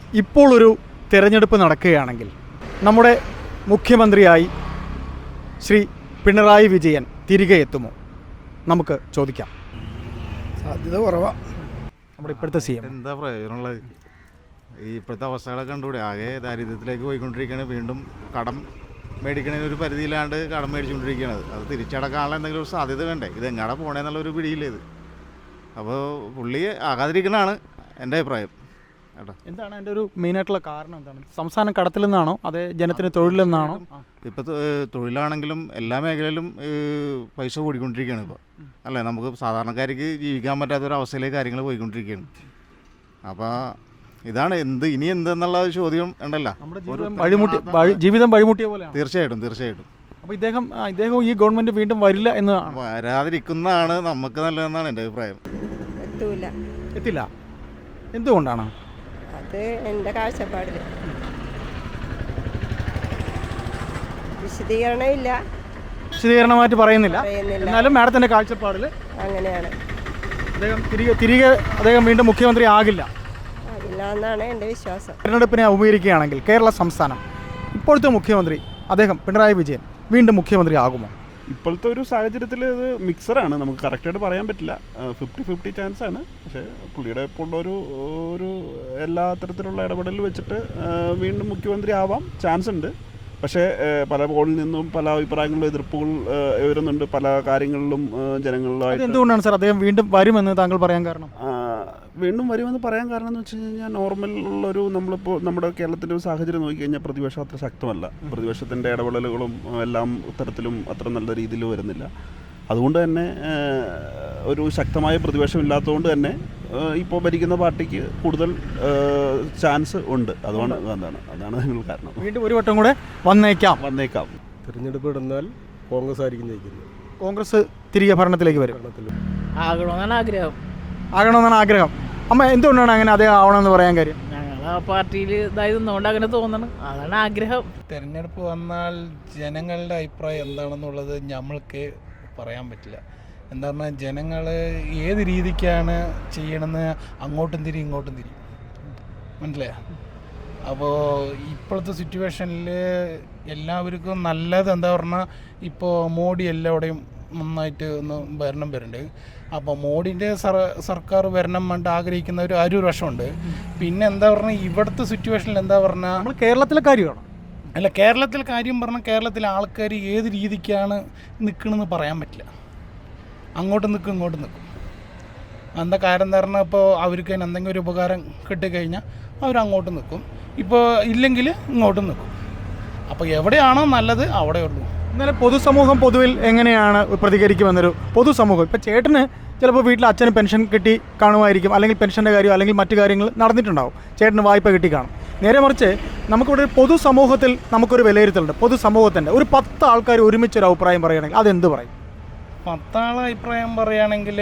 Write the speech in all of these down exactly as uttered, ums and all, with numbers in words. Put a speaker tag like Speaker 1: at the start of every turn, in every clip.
Speaker 1: ഇപ്പോൾ ഒരു തിരഞ്ഞെടുപ്പ് നടക്കുകയാണെങ്കിൽ നമ്മുടെ മുഖ്യമന്ത്രിയായി ശ്രീ പിണറായി വിജയൻ തിരികെ എത്തുമോ? നമുക്ക് ചോദിക്കാം.
Speaker 2: സാധ്യത കുറവാണ്.
Speaker 1: നമ്മുടെ ഇപ്പോഴത്തെ സി എം
Speaker 3: എന്താ പ്രയോജനമുള്ളത്? ഈ ഇപ്പോഴത്തെ അവസ്ഥകളൊക്കെ കണ്ടുകൂടെ? ആകെ ദാരിദ്ര്യത്തിലേക്ക് പോയിക്കൊണ്ടിരിക്കുകയാണ്. വീണ്ടും കടം മേടിക്കണതിന് ഒരു പരിധിയിലാണ്ട് കടം മേടിച്ചുകൊണ്ടിരിക്കുകയാണ്. അത് തിരിച്ചടക്കാനുള്ള എന്തെങ്കിലും ഒരു സാധ്യത വേണ്ടേ? ഇത് എങ്ങാടെ പോകണമെന്നുള്ളൊരു പിടിയില്ല ഇത്. അപ്പോൾ പുള്ളി ആകാതിരിക്കണതാണ് എൻ്റെ അഭിപ്രായം. കേട്ടോ,
Speaker 1: എന്താണ് അതിൻ്റെ ഒരു മെയിനായിട്ടുള്ള കാരണം? എന്താണ്? സംസ്ഥാനം കടത്തിൽ നിന്നാണോ അതേ ജനത്തിന് തൊഴിലിൽ നിന്നാണോ?
Speaker 3: ഇപ്പോൾ തൊഴിലാണെങ്കിലും എല്ലാ മേഖലയിലും പൈസ കൂടിക്കൊണ്ടിരിക്കുകയാണ് ഇപ്പോൾ, അല്ലേ? നമുക്ക് സാധാരണക്കാർക്ക് ജീവിക്കാൻ പറ്റാത്തൊരവസ്ഥയിലേക്ക് കാര്യങ്ങൾ പോയിക്കൊണ്ടിരിക്കുകയാണ്. അപ്പോൾ ഇതാണ് എന്ത് ഇനി എന്തെന്നുള്ള ചോദ്യം ഉണ്ടല്ലോ.
Speaker 1: ജീവിതം വഴിമുട്ടിയ പോലെയാണ്.
Speaker 3: തീർച്ചയായിട്ടും തീർച്ചയായിട്ടും.
Speaker 1: അപ്പോൾ ഇദ്ദേഹം ഇദ്ദേഹം ഈ ഗവൺമെൻറ് വീണ്ടും വരില്ല എന്ന്
Speaker 3: വരാതിരിക്കുന്നതാണ് നമുക്ക് നല്ലതെന്നാണ് എൻ്റെ അഭിപ്രായം.
Speaker 4: എത്തൂല.
Speaker 1: എത്തില്ല. എന്തുകൊണ്ടാണ്?
Speaker 4: അത് എൻ്റെ കാഴ്ചപ്പാടിൽ വിശദീകരണം ഇല്ല.
Speaker 1: വിശദീകരണമായിട്ട് പറയുന്നില്ല. എന്നാലും മാഡത്തിൻ്റെ കാഴ്ചപ്പാടിൽ
Speaker 4: അങ്ങനെയാണ്.
Speaker 1: അദ്ദേഹം തിരികെ തിരികെ അദ്ദേഹം വീണ്ടും മുഖ്യമന്ത്രി ആകില്ല
Speaker 4: ആകില്ല എന്നാണ് എൻ്റെ വിശ്വാസം.
Speaker 1: തിരഞ്ഞെടുപ്പിനെ അഭിമുഖീകരിക്കുകയാണെങ്കിൽ കേരള സംസ്ഥാനം ഇപ്പോഴത്തെ മുഖ്യമന്ത്രി അദ്ദേഹം പിണറായി വിജയൻ വീണ്ടും മുഖ്യമന്ത്രി ആകുമോ?
Speaker 5: ഇപ്പോഴത്തെ ഒരു സാഹചര്യത്തിൽ ഇത് മിക്സറാണ്, നമുക്ക് കറക്റ്റായിട്ട് പറയാൻ പറ്റില്ല. ഫിഫ്റ്റി ഫിഫ്റ്റി ചാൻസ് ആണ്. പക്ഷേ പുള്ളിയുടെ ഇപ്പോൾ ഉള്ളൊരു ഒരു എല്ലാ തരത്തിലുള്ള ഇടപെടൽ വെച്ചിട്ട് വീണ്ടും മുഖ്യമന്ത്രി ആവാം ചാൻസ് ഉണ്ട്. പക്ഷേ പല പോളിൽ നിന്നും പല അഭിപ്രായങ്ങളിലും എതിർപ്പുകൾ വരുന്നുണ്ട് പല കാര്യങ്ങളിലും ജനങ്ങളിലായിട്ട്.
Speaker 1: എന്തുകൊണ്ടാണ് സാർ അദ്ദേഹം വീണ്ടും വരുമെന്ന് താങ്കൾ പറയാൻ കാരണം?
Speaker 5: വീണ്ടും വരുമെന്ന് പറയാൻ കാരണം എന്ന് വെച്ച് കഴിഞ്ഞാൽ നോർമൽ ഉള്ളൊരു നമ്മളിപ്പോൾ നമ്മുടെ കേരളത്തിൻ്റെ ഒരു സാഹചര്യം നോക്കിക്കഴിഞ്ഞാൽ പ്രതിപക്ഷം അത്ര ശക്തമല്ല. പ്രതിപക്ഷത്തിൻ്റെ ഇടപെടലുകളും എല്ലാം തരത്തിലും അത്ര നല്ല രീതിയിൽ വരുന്നില്ല. അതുകൊണ്ട് തന്നെ ഒരു ശക്തമായ പ്രതിപക്ഷം ഇല്ലാത്തതുകൊണ്ട് തന്നെ ഇപ്പോൾ ഭരിക്കുന്ന പാർട്ടിക്ക് കൂടുതൽ ചാൻസ് ഉണ്ട്. അതുകൊണ്ട് എന്താണ് അതാണ് നിങ്ങൾ കാരണം.
Speaker 1: വീണ്ടും ഒരു വട്ടം കൂടെ വന്നേക്കാം
Speaker 5: വന്നേക്കാം
Speaker 2: തിരഞ്ഞെടുപ്പ് ഇടുന്നാൽ കോൺഗ്രസ് ആയിരിക്കും ജയിക്കുന്നത്.
Speaker 1: കോൺഗ്രസ് തിരികെ ഭരണത്തിലേക്ക് വരും.
Speaker 6: ആകണമെന്നാണ് ആഗ്രഹം.
Speaker 1: ആകണമെന്നാണ് ആഗ്രഹം. അമ്മ എന്തുകൊണ്ടാണ് അങ്ങനെ അദ്ദേഹം ആവണമെന്ന് പറയാൻ കാര്യം?
Speaker 6: ഞങ്ങൾ ആ പാർട്ടിയിൽ ഇതായതുകൊണ്ട് അങ്ങനെ തോന്നണം, അതാണ് ആഗ്രഹം.
Speaker 7: തിരഞ്ഞെടുപ്പ് വന്നാൽ ജനങ്ങളുടെ അഭിപ്രായം എന്താണെന്നുള്ളത് നമ്മൾക്ക് പറയാൻ പറ്റില്ല. എന്താ പറഞ്ഞാൽ ജനങ്ങൾ ഏത് രീതിക്കാണ് ചെയ്യണമെന്ന് അങ്ങോട്ടും തിരി ഇങ്ങോട്ടും തിരി മനസ്സിലായോ? അപ്പോൾ ഇപ്പോഴത്തെ സിറ്റുവേഷനിൽ എല്ലാവർക്കും നല്ലത് എന്താ പറഞ്ഞാൽ ഇപ്പോൾ മോഡി എല്ലാവിടെയും നന്നായിട്ട് ഒന്ന് ഭരണം വരുന്നുണ്ട്. അപ്പോൾ മോഡിൻ്റെ സർ സർക്കാർ വരണം വേണ്ടി ആഗ്രഹിക്കുന്നവർ ആ ഒരു വർഷമുണ്ട്. പിന്നെ എന്താ പറഞ്ഞാൽ ഇവിടുത്തെ സിറ്റുവേഷനിൽ എന്താ പറഞ്ഞാൽ
Speaker 1: നമ്മൾ കേരളത്തിലെ കാര്യമാണ്.
Speaker 7: അല്ല, കേരളത്തിലെ കാര്യം പറഞ്ഞാൽ കേരളത്തിലെ ആൾക്കാർ ഏത് രീതിക്കാണ് നിൽക്കണമെന്ന് പറയാൻ പറ്റില്ല. അങ്ങോട്ട് നിൽക്കും ഇങ്ങോട്ട് നിൽക്കും. എന്താ കാര്യം എന്താ പറഞ്ഞാൽ ഇപ്പോൾ അവർക്ക് തന്നെ എന്തെങ്കിലും ഒരു ഉപകാരം കിട്ടിക്കഴിഞ്ഞാൽ അവരങ്ങോട്ട് നിൽക്കും, ഇപ്പോൾ ഇല്ലെങ്കിൽ ഇങ്ങോട്ടും നിൽക്കും. അപ്പോൾ എവിടെയാണോ നല്ലത് അവിടെ ഉള്ളൂ.
Speaker 1: എന്നാലും പൊതുസമൂഹം പൊതുവിൽ എങ്ങനെയാണ് പ്രതികരിക്കുമെന്നൊരു പൊതുസമൂഹം ഇപ്പോൾ ചേട്ടന് ചിലപ്പോൾ വീട്ടിൽ അച്ഛന് പെൻഷൻ കിട്ടി കാണുമായിരിക്കും, അല്ലെങ്കിൽ പെൻഷൻ്റെ കാര്യം അല്ലെങ്കിൽ മറ്റു കാര്യങ്ങൾ നടന്നിട്ടുണ്ടാവും, ചേട്ടന് വായ്പ കിട്ടി കാണും. നേരെ മറിച്ച് നമുക്കിവിടെ ഒരു പൊതുസമൂഹത്തിൽ നമുക്കൊരു വിലയിരുത്തലുണ്ട്. പൊതുസമൂഹത്തിൻ്റെ ഒരു പത്ത് ആൾക്കാർ ഒരുമിച്ചൊരു അഭിപ്രായം പറയുകയാണെങ്കിൽ അതെന്ത് പറയും?
Speaker 7: പത്താളെ അഭിപ്രായം പറയുകയാണെങ്കിൽ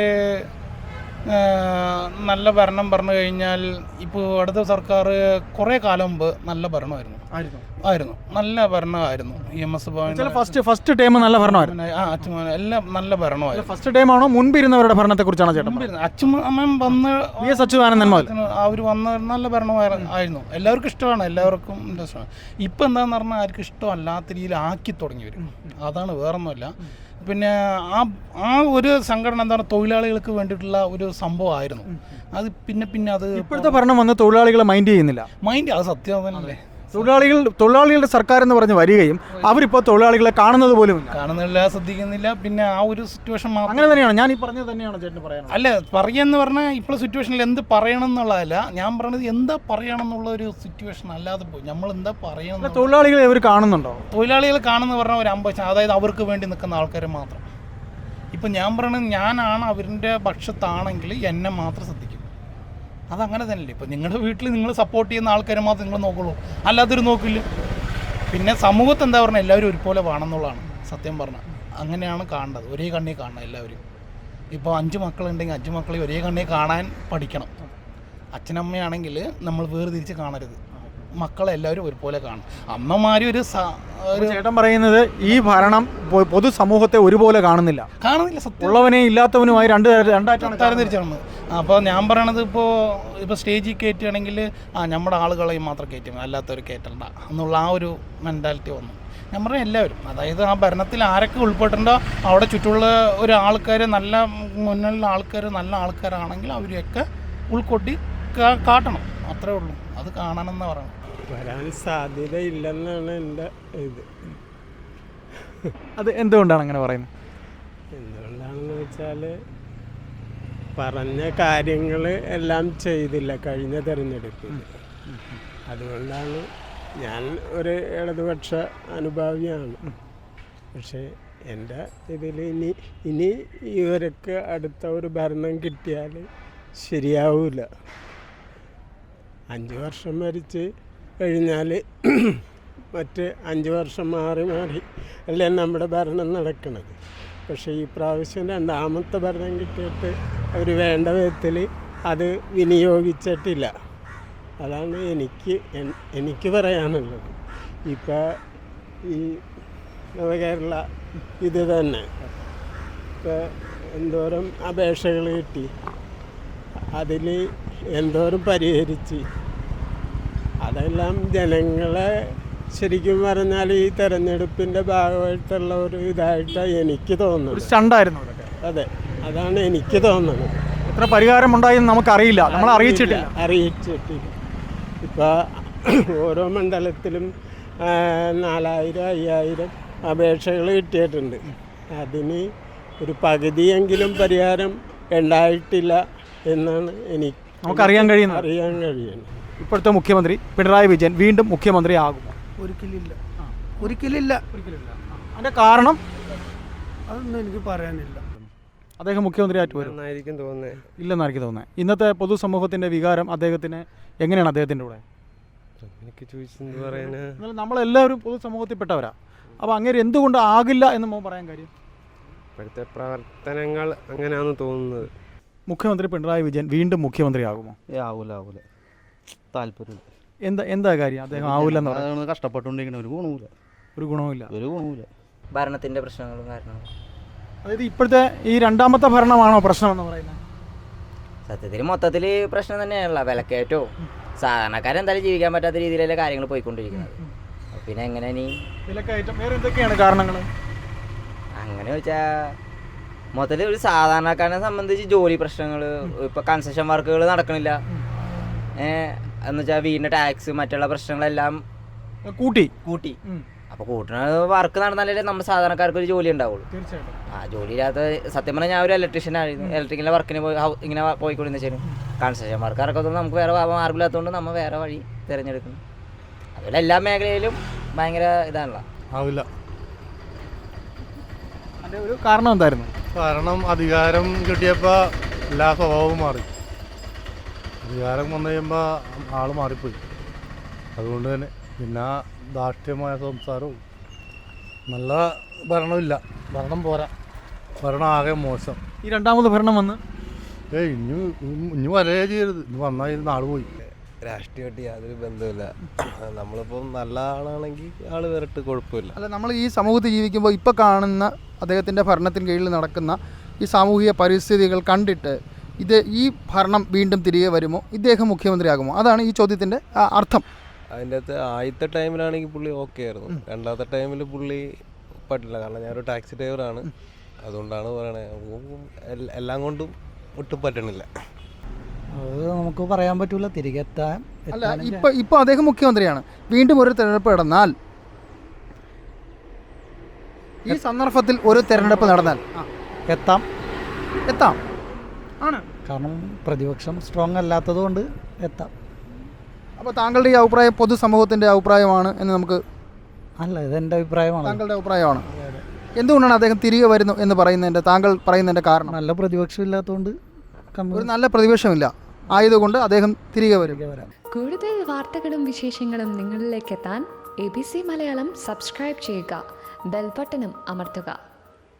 Speaker 7: നല്ല ഭരണം പറഞ്ഞു കഴിഞ്ഞാൽ ഇപ്പോൾ അടുത്ത സർക്കാർ കുറേ കാലം മുമ്പ് നല്ല ഭരണമായിരുന്നു ആയിരുന്നു നല്ല ഭരണമായിരുന്നു. E M S Bhavan
Speaker 1: first first time നല്ല ഭരണമായിരുന്നു.
Speaker 7: ആ അച്ഛൻ എല്ലാം നല്ല ഭരണമായിരുന്നു.
Speaker 1: ഫസ്റ്റ് ടൈം ആണോ മുൻപിരുന്നവരുടെ ഭരണത്തെക്കുറിച്ചാണോ ചേട്ടൻ?
Speaker 7: അച്ഛൻ വന്ന്
Speaker 1: വി എസ് അച്യുതാനന്ദൻ മുതൽ
Speaker 7: അവർ വന്ന നല്ല ഭരണമായിരുന്നു. എല്ലാവർക്കും ഇഷ്ടമാണ്, എല്ലാവർക്കും ഇൻട്രസ്റ്റാണ്. ഇപ്പം എന്താണെന്ന് പറഞ്ഞാൽ ആർക്കും ഇഷ്ടമല്ലാത്ത രീതിയിൽ ആക്കി തുടങ്ങി വരും. അതാണ്, വേറൊന്നുമില്ല. പിന്നെ ആ ആ ഒരു സംഘടന എന്താണ് തൊഴിലാളികൾക്ക് വേണ്ടിയിട്ടുള്ള ഒരു സംഭവമായിരുന്നു. അത് പിന്നെ പിന്നെ അത്
Speaker 1: ഇപ്പോഴത്തെ ഭരണം വന്ന് തൊഴിലാളികളെ മൈൻഡ് ചെയ്യുന്നില്ല.
Speaker 7: മൈൻഡ് അത് സത്യം തന്നെയല്ലേ.
Speaker 1: തൊഴിലാളികൾ തൊഴിലാളികളുടെ സർക്കാർ എന്ന് പറഞ്ഞ് വരികയും അവരിപ്പോൾ തൊഴിലാളികളെ കാണുന്നത് പോലും
Speaker 7: കാണുന്നില്ല, ശ്രദ്ധിക്കുന്നില്ല. പിന്നെ ആ ഒരു സിറ്റുവേഷൻ മാത്രം
Speaker 1: അങ്ങനെ തന്നെയാണ് ഞാൻ ഈ പറഞ്ഞത് തന്നെയാണ് ചേട്ടൻ പറയാൻ.
Speaker 7: അല്ല, പറയുകയെന്ന് പറഞ്ഞാൽ ഇപ്പോൾ സിറ്റുവേഷനിൽ എന്ത് പറയണം എന്നുള്ളതല്ല ഞാൻ പറഞ്ഞത്, എന്താ പറയണം എന്നുള്ള ഒരു സിറ്റുവേഷൻ അല്ലാതെ പോയി നമ്മൾ എന്താ പറയണം.
Speaker 1: തൊഴിലാളികളെ അവർ കാണുന്നുണ്ടോ?
Speaker 7: തൊഴിലാളികൾ കാണുന്ന പറഞ്ഞാൽ ഒരു അമ്പത്, അതായത് അവർക്ക് വേണ്ടി നിൽക്കുന്ന ആൾക്കാർ മാത്രം. ഇപ്പം ഞാൻ പറയണത് ഞാനാണ് അവരുടെ പക്ഷത്താണെങ്കിൽ എന്നെ മാത്രം ശ്രദ്ധിക്കും. അതങ്ങനെ തന്നെയല്ലേ. ഇപ്പം നിങ്ങളുടെ വീട്ടിൽ നിങ്ങൾ സപ്പോർട്ട് ചെയ്യുന്ന ആൾക്കാരെ മാത്രം നിങ്ങൾ നോക്കുള്ളൂ, അല്ലാത്തൊരു നോക്കില്ല. പിന്നെ സമൂഹത്ത് എന്താ പറഞ്ഞാൽ എല്ലാവരും ഒരുപോലെ വേണമെന്നുള്ളതാണ് സത്യം പറഞ്ഞാൽ. അങ്ങനെയാണ് കാണേണ്ടത്, ഒരേ കണ്ണി കാണണം എല്ലാവരും. ഇപ്പോൾ അഞ്ച് മക്കളുണ്ടെങ്കിൽ അഞ്ച് മക്കളെ ഒരേ കണ്ണി കാണാൻ പഠിക്കണം. അച്ഛനമ്മയാണെങ്കിൽ നമ്മൾ വേർതിരിച്ച് കാണരുത്, മക്കളെ എല്ലാവരും ഒരുപോലെ കാണും. അമ്മമാരും ഒരു സ- ഒരു
Speaker 1: ചേട്ടൻ പറയുന്നത് ഈ ഭരണം പൊ- പൊതുസമൂഹത്തെ ഒരുപോലെ കാണുന്നില്ല,
Speaker 7: കാണുന്നില്ല, സത്യം
Speaker 1: ഉള്ളവനെയും ഇല്ലാത്തവനുമായി രണ്ട് തര- രണ്ടായിട്ടാണ്
Speaker 7: തരംതിരിച്ചാണ്. അപ്പോൾ ഞാൻ പറയണത് ഇപ്പോൾ ഇപ്പോൾ സ്റ്റേജിൽ കയറ്റുകയാണെങ്കിൽ ആ നമ്മുടെ ആളുകളെയും മാത്രം കയറ്റും, അല്ലാത്തവർ കയറ്റണ്ട എന്നുള്ള ആ ഒരു മെൻറ്റാലിറ്റി വന്നു. ഞാൻ പറഞ്ഞ എല്ലാവരും, അതായത് ആ ഭരണത്തിൽ ആരൊക്കെ ഉൾപ്പെട്ടിട്ടുണ്ടോ അവിടെ ചുറ്റുമുള്ള ഒരു ആൾക്കാർ, നല്ല മുന്നിലുള്ള ആൾക്കാർ നല്ല ആൾക്കാരാണെങ്കിൽ അവരെയൊക്കെ ഉൾക്കൊട്ടി കാ- കാട്ടണം, അത്രേ ഉള്ളൂ. അത് കാണണമെന്ന് പറയണം.
Speaker 2: വരാൻ സാധ്യതയില്ലെന്നാണ് എൻ്റെ ഇത്.
Speaker 1: അത് എന്തുകൊണ്ടാണ് അങ്ങനെ പറയുന്നത്?
Speaker 2: എന്തുകൊണ്ടാണെന്ന് വെച്ചാൽ പറഞ്ഞ കാര്യങ്ങൾ എല്ലാം ചെയ്തില്ല കഴിഞ്ഞ തെരഞ്ഞെടുപ്പിൽ. അതുകൊണ്ടാണ് ഞാൻ ഒരു ഇടതുപക്ഷ അനുഭാവിയാണ്. പക്ഷേ എൻ്റെ ഇതിൽ ഇനി ഇനി ഇവർക്ക് അടുത്ത ഒരു ഭരണം കിട്ടിയാൽ ശരിയാവില്ല. അഞ്ച് വർഷം ഭരിച്ച് കഴിഞ്ഞാൽ മറ്റ് അഞ്ച് വർഷം മാറി മാറി അല്ലേ നമ്മുടെ ഭരണം നടക്കുന്നത്. പക്ഷേ ഈ പ്രാവശ്യം രണ്ടാമത്തെ ഭരണം കിട്ടിയിട്ട് അവർ വേണ്ട വിധത്തിൽ അത് വിനിയോഗിച്ചിട്ടില്ല. അതാണ് എനിക്ക് എൻ- എനിക്ക് പറയാനുള്ളത്. ഇപ്പോൾ ഈ നവകേരള ഇത് തന്നെ ഇപ്പോൾ എന്തോരം അപേക്ഷകൾ കിട്ടി, അതിൽ എന്തോരം പരിഹരിച്ച്, അതെല്ലാം ജനങ്ങളെ ശരിക്കും പറഞ്ഞാൽ ഈ തെരഞ്ഞെടുപ്പിൻ്റെ ഭാഗമായിട്ടുള്ള ഒരു ഇതായിട്ടാണ് എനിക്ക്
Speaker 1: ഒരു
Speaker 2: തോന്നുന്നത്.
Speaker 1: സ്റ്റണ്ടായിരുന്നു അതൊക്കെ.
Speaker 2: അതെ, അതാണ് എനിക്ക് തോന്നുന്നത്.
Speaker 1: എത്ര പരിഹാരം ഉണ്ടായെന്ന് നമുക്കറിയില്ല, നമ്മൾ അറിയിച്ചിട്ടില്ല.
Speaker 2: അറിയിച്ചിട്ടില്ല. ഇപ്പോൾ ഓരോ മണ്ഡലത്തിലും ആ, നാലായിരം അയ്യായിരം അപേക്ഷകൾ കിട്ടിയിട്ടുണ്ട്. അതിന് ഒരു പകുതിയെങ്കിലും പരിഹാരം ഉണ്ടായിട്ടില്ല എന്നാണ് എനിക്ക്
Speaker 1: നമുക്കറിയാൻ കഴിയുന്നത്.
Speaker 2: അറിയാൻ കഴിയുന്നത്.
Speaker 1: ഇപ്പോഴത്തെ മുഖ്യമന്ത്രി പിണറായി വിജയൻ വീണ്ടും മുഖ്യമന്ത്രി ആകുമോ?
Speaker 8: ഒരിക്കലില്ല, ഒരിക്കലില്ല.
Speaker 1: അതിൻ്റെ കാരണം
Speaker 8: അതൊന്നും എനിക്ക് പറയാനില്ല.
Speaker 1: അദ്ദേഹം മുഖ്യമന്ത്രി ആയിട്ട് വരും
Speaker 2: എന്നായിരിക്കും തോന്നുന്നത്.
Speaker 1: ഇല്ലെന്ന് എനിക്ക് തോന്നുന്നത്. ഇന്നത്തെ പൊതുസമൂഹത്തിൻ്റെ വികാരം അദ്ദേഹത്തിന് എങ്ങനെയാണ് അദ്ദേഹത്തിൻ്റെ കൂടെ?
Speaker 2: എനിക്ക് ചോദിച്ചെന്ത് പറയാന്.
Speaker 1: എന്നാൽ നമ്മളെല്ലാവരും പൊതുസമൂഹത്തിൽപ്പെട്ടവരാ. അപ്പോൾ അങ്ങനെ എന്തുകൊണ്ട് ആകില്ല എന്ന് മോൻ പറയാൻ കാര്യം?
Speaker 2: ഇപ്പോഴത്തെ പ്രവർത്തനങ്ങൾ അങ്ങനെയാണെന്ന് തോന്നുന്നത്.
Speaker 1: മുഖ്യമന്ത്രി പിണറായി വിജയൻ വീണ്ടും മുഖ്യമന്ത്രി ആകുമോ?
Speaker 9: ഏ ആവൂല ആവൂല താല്പര്യമില്ല.
Speaker 1: എന്താ എന്താ കാര്യം അദ്ദേഹം ആവില്ലെന്ന് പറയാം?
Speaker 9: അതാണ് കഷ്ടപ്പെട്ടുകൊണ്ടിരിക്കണ ഒരു ഗുണവുമില്ല,
Speaker 1: ഒരു ഗുണവുമില്ല.
Speaker 9: ഒരു ഗുണവുമില്ല.
Speaker 10: ഭരണത്തിൻ്റെ പ്രശ്നങ്ങളും കാരണങ്ങളും.
Speaker 1: അതായത് ഇപ്പോഴത്തെ ഈ രണ്ടാമത്തെ ഭരണമാണോ പ്രശ്നമെന്ന് പറയുന്നത്?
Speaker 10: സത്യത്തിൽ മൊത്തത്തിൽ പ്രശ്നം തന്നെയാണല്ലോ. വിലക്കയറ്റവും സാധാരണക്കാരെന്തായാലും ജീവിക്കാൻ പറ്റാത്ത രീതിയിലല്ലേ കാര്യങ്ങൾ പോയിക്കൊണ്ടിരിക്കുന്നത്. അപ്പോൾ പിന്നെ എങ്ങനെ ഇനി
Speaker 1: വിലക്കയറ്റം വേറെ എന്തൊക്കെയാണ് കാരണങ്ങൾ?
Speaker 10: അങ്ങനെ വെച്ചാൽ മൊത്തത്തിൽ ഒരു സാധാരണക്കാരനെ സംബന്ധിച്ച് ജോലി പ്രശ്നങ്ങൾ, ഇപ്പോൾ കൺസ്ട്രക്ഷൻ വർക്കുകൾ നടക്കണില്ല, എന്ന് വെച്ചാൽ വീടിൻ്റെ ടാക്സ് മറ്റുള്ള പ്രശ്നങ്ങളെല്ലാം
Speaker 1: കൂട്ടി
Speaker 10: കൂട്ടി.
Speaker 1: ഉം.
Speaker 10: അപ്പോൾ കൂട്ടുന്ന വർക്ക് നടന്നാലേ നമ്മൾ സാധാരണക്കാർക്ക് ഒരു ജോലി ഉണ്ടാവുള്ളൂ.
Speaker 1: തീർച്ചയായിട്ടും.
Speaker 10: ആ ജോലി ഇല്ലാത്ത സത്യം പറഞ്ഞാൽ ഞാൻ ഒരു ഇലക്ട്രീഷ്യനായിരുന്നു. ഇലക്ട്രിക്കലിൻ്റെ വർക്കിന് പോയി ഹൗ- ഇങ്ങനെ പോയിക്കൊണ്ടിരുന്ന വെച്ചാൽ കൺസ്ട്രക്ഷൻ വർക്ക് ഇറക്കത്തൊന്നും നമുക്ക് വേറെ മാർഗമില്ലാത്തതുകൊണ്ട് നമ്മൾ വേറെ വഴി തിരഞ്ഞെടുക്കുന്നു. അതുപോലെ എല്ലാ മേഖലയിലും ഭയങ്കര ഇതാണല്ലോ.
Speaker 2: ആവില്ല.
Speaker 1: അതിൻ്റെ ഒരു കാരണം എന്തായിരുന്നു?
Speaker 2: കാരണം അധികാരം കിട്ടിയപ്പോൾ എല്ലാ സ്വഭാവവും മാറി. അധികാരം വന്നു കഴിയുമ്പോൾ ആൾ മാറിപ്പോയി. അതുകൊണ്ട് തന്നെ പിന്നെ ധാർഷ്ട്യമായ സംസാരവും നല്ല ഭരണമില്ല. ഭരണം പോരാ, ഭരണം ആകെ മോശം.
Speaker 1: ഈ രണ്ടാമത് ഭരണം വന്ന്
Speaker 2: ഏയ് ഇനി ഇനി വരേ ചെയ്യരുത്. ഇനി വന്നാൽ നാൾ പോയി.
Speaker 11: രാഷ്ട്രീയമായിട്ട് യാതൊരു ബന്ധമില്ല. നമ്മളിപ്പം നല്ല ആളാണെങ്കിൽ ആൾ വരട്ട് കുഴപ്പമില്ല.
Speaker 1: അല്ല, നമ്മൾ ഈ സമൂഹത്തിൽ ജീവിക്കുമ്പോൾ ഇപ്പോൾ കാണുന്ന അദ്ദേഹത്തിൻ്റെ ഭരണത്തിന് കീഴിൽ നടക്കുന്ന ഈ സാമൂഹിക പരിസ്ഥിതികൾ കണ്ടിട്ട് ഇത് ഈ ഭരണം വീണ്ടും തിരികെ വരുമോ, ഇദ്ദേഹം മുഖ്യമന്ത്രിയാകുമോ? അതാണ് ഈ ചോദ്യത്തിൻ്റെ അർത്ഥം.
Speaker 11: അതിൻ്റെ അകത്ത് ആദ്യത്തെ ടൈമിലാണെങ്കിൽ പുള്ളി ഓക്കെ ആയിരുന്നു. രണ്ടാമത്തെ ടൈമിൽ പുള്ളി പറ്റില്ല. കാരണം ഞാനൊരു ടാക്സി ഡ്രൈവറാണ്, അതുകൊണ്ടാണ് പറയണത്. എല്ലാം കൊണ്ടും ഒട്ടും പറ്റണില്ല.
Speaker 8: അത് നമുക്ക് പറയാൻ പറ്റൂല. തിരികെ എത്താൻ
Speaker 1: അല്ല, ഇപ്പോൾ ഇപ്പോൾ അദ്ദേഹം മുഖ്യമന്ത്രിയാണ്. വീണ്ടും ഒരു തെരഞ്ഞെടുപ്പ് നടന്നാൽ, ഈ സന്ദർഭത്തിൽ ഒരു തെരഞ്ഞെടുപ്പ് നടന്നാൽ
Speaker 8: എത്താം
Speaker 1: എത്താം ആണ്.
Speaker 8: കാരണം പ്രതിപക്ഷം സ്ട്രോങ് അല്ലാത്തത് കൊണ്ട് എത്താം.
Speaker 1: അപ്പോൾ താങ്കളുടെ ഈ അഭിപ്രായം പൊതുസമൂഹത്തിൻ്റെ അഭിപ്രായമാണ് എന്ന് നമുക്ക്?
Speaker 8: അല്ല, ഇതെൻ്റെ അഭിപ്രായമാണ്.
Speaker 1: താങ്കളുടെ അഭിപ്രായമാണ്. എന്തുകൊണ്ടാണ് അദ്ദേഹം തിരികെ വരുന്നു എന്ന് പറയുന്നതിൻ്റെ, താങ്കൾ പറയുന്നതിൻ്റെ കാരണം?
Speaker 8: നല്ല പ്രതിപക്ഷം ഇല്ലാത്തതുകൊണ്ട്
Speaker 1: ഒരു നല്ല പ്രതിപക്ഷമില്ല ആയതുകൊണ്ട് അദ്ദേഹം തിരികെ വരും.
Speaker 8: വരാം.
Speaker 12: കൂടുതൽ വാർത്തകളും വിശേഷങ്ങളും നിങ്ങളിലേക്ക് എത്താൻ A B C Malayalam subscribe ചെയ്യുക, ബെൽ ബട്ടണും അമർത്തുക.